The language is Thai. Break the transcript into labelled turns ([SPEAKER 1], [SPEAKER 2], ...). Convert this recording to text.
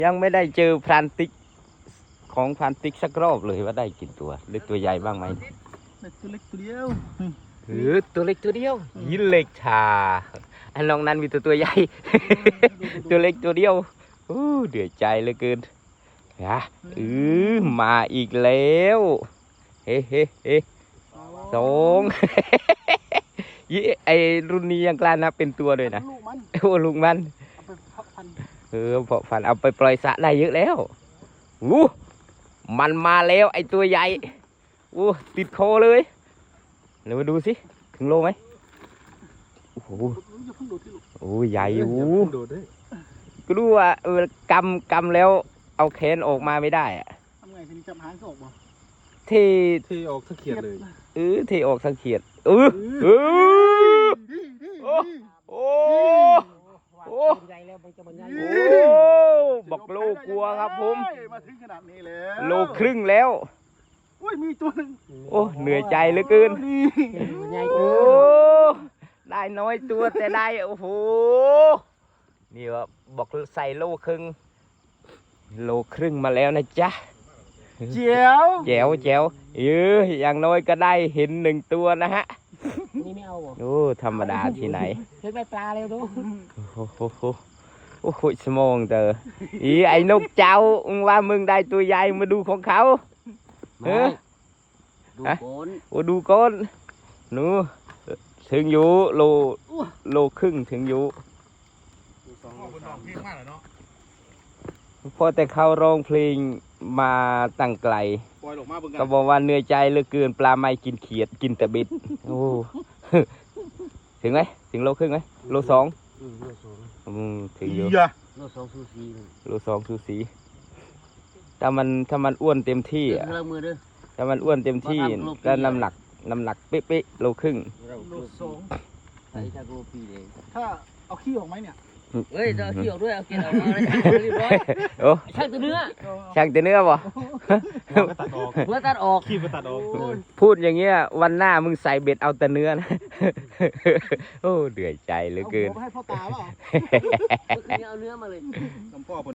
[SPEAKER 1] ยังไม่ได้เจอพรานติ๊กของพรานติ๊กสักรอบเลยว่าได้กี่ตัวหรือตัวใหญ่บ้างไหม
[SPEAKER 2] ตัวเล็กตัวเดียว
[SPEAKER 1] หรือตัวเล็กตัวเดียวยินเล็กชาอันน้องนั้นมีตัวใหญ่ ตัวเล็กตัวเดียวเดือดใจเหลือเกินนะมาอีกแล้วเฮ้เฮ้เฮ้สอง ยี่ไอรุ่นนี้ยังกล้านับเป็นตัวเลยนะ
[SPEAKER 2] ลูกมัน
[SPEAKER 1] โอ้ลุงมัน
[SPEAKER 2] เอาไปพักพัน
[SPEAKER 1] เพาะพันธุ์เอาไปปล่อยสระได้เยอะแล้วมันมาแล้วไอตัวใหญ่ติดคอเลยเดี๋ยวมาดูสิถึงโลไหมโอ้โห
[SPEAKER 2] อย่าเพิ่งโดดที่ลูก
[SPEAKER 1] โอ้ใหญ่โอ้
[SPEAKER 3] โดดด้วย
[SPEAKER 1] ก็รู้ว่ากำแล้วเอาแขนออกมาไม่ได้อะ
[SPEAKER 2] ทำไงทีนี้จับหางก็ออกบ่
[SPEAKER 1] ที่
[SPEAKER 3] ที่ออกทั้งเขียดเลย
[SPEAKER 1] ที่ออกสังเขียดโอ้
[SPEAKER 2] ใหญ่แล้วมันจะบรรยาย
[SPEAKER 1] บอกโลกลัวครับผม
[SPEAKER 2] มาถึงขนาดนี้แล้ว
[SPEAKER 1] โลครึ่งแล้ว
[SPEAKER 2] โอ้ยมีตัวนึง
[SPEAKER 1] เหนื่อยใจเหลือเกิน
[SPEAKER 2] นี่
[SPEAKER 4] ใหญ่
[SPEAKER 1] โอ้
[SPEAKER 4] เกิน
[SPEAKER 1] ได้น้อยตัวแต่ได้โอ้โหนี่ว่าบอกใส่โลครึ่งมาแล้วนะจ๊ะ
[SPEAKER 2] เจียว
[SPEAKER 1] แจ๋วอย่างน้อยก็ได้เห็นหนึ่งตัวนะฮะ
[SPEAKER 4] นี่ไม่เอาบ่
[SPEAKER 1] โอ้ธรรมดาที่ไหน
[SPEAKER 4] เฮ้ยไม่ปลาเร็วดู
[SPEAKER 1] โอ้โหสมองเตอไอ้นกเจ้ามึงว่ามึงได้ตัวใหญ่มาดูของเขา
[SPEAKER 4] ดูโกน
[SPEAKER 1] ดูก้นหนูถึงอยู่โลครึ่งถึงอยู่พอแต่เขาร้องเพลงมาตั้งไกล
[SPEAKER 2] ปล่อยออกมาเบิ่งกั
[SPEAKER 1] ก็บอกว่าเหนื่อยใจเหลือเกินปลาไม่กินเขียดกินแต่บิดโอ้ ถึงไหมถึงโลครึ่งไหมโลสองถึงอยู่
[SPEAKER 4] โล2ซูซี
[SPEAKER 1] โลสองสูสีถ้ามันอ้วนเต็มที่อ่ะ
[SPEAKER 4] เริ่มมือเด้อ
[SPEAKER 1] ถ้ามันอ้วนเต็มที่ก็น้ำหนักเป๊ะๆโลครึ่ง
[SPEAKER 2] โลสอง
[SPEAKER 4] ใส่จากโลปีเลย
[SPEAKER 2] ถ้าเอาขี้ออกไหมเนี่ย
[SPEAKER 4] เฮ้ยจะเอาขี้ออกด้วยเอาเกล็ดออกมาเลยเรียบร้อย
[SPEAKER 1] โอ้
[SPEAKER 4] ช่างตัวเนื้อ
[SPEAKER 1] ช่างแต่เนื้อบ่
[SPEAKER 3] ก็ตัดออก
[SPEAKER 4] เพื่อตัดออก
[SPEAKER 3] ขี้ก็ตัดออก
[SPEAKER 1] พูดอย่างเงี้ยวันหน้ามึงใส่เบ็ดเอาแต่เนื้อนะ โอ้เดือดใจเหลือเกิน
[SPEAKER 2] เอาหัวไปให้พ่อตาเปล่า
[SPEAKER 4] เมื่อคืนนี้เอาเนื้อมาเลย
[SPEAKER 2] น้ำพ่อ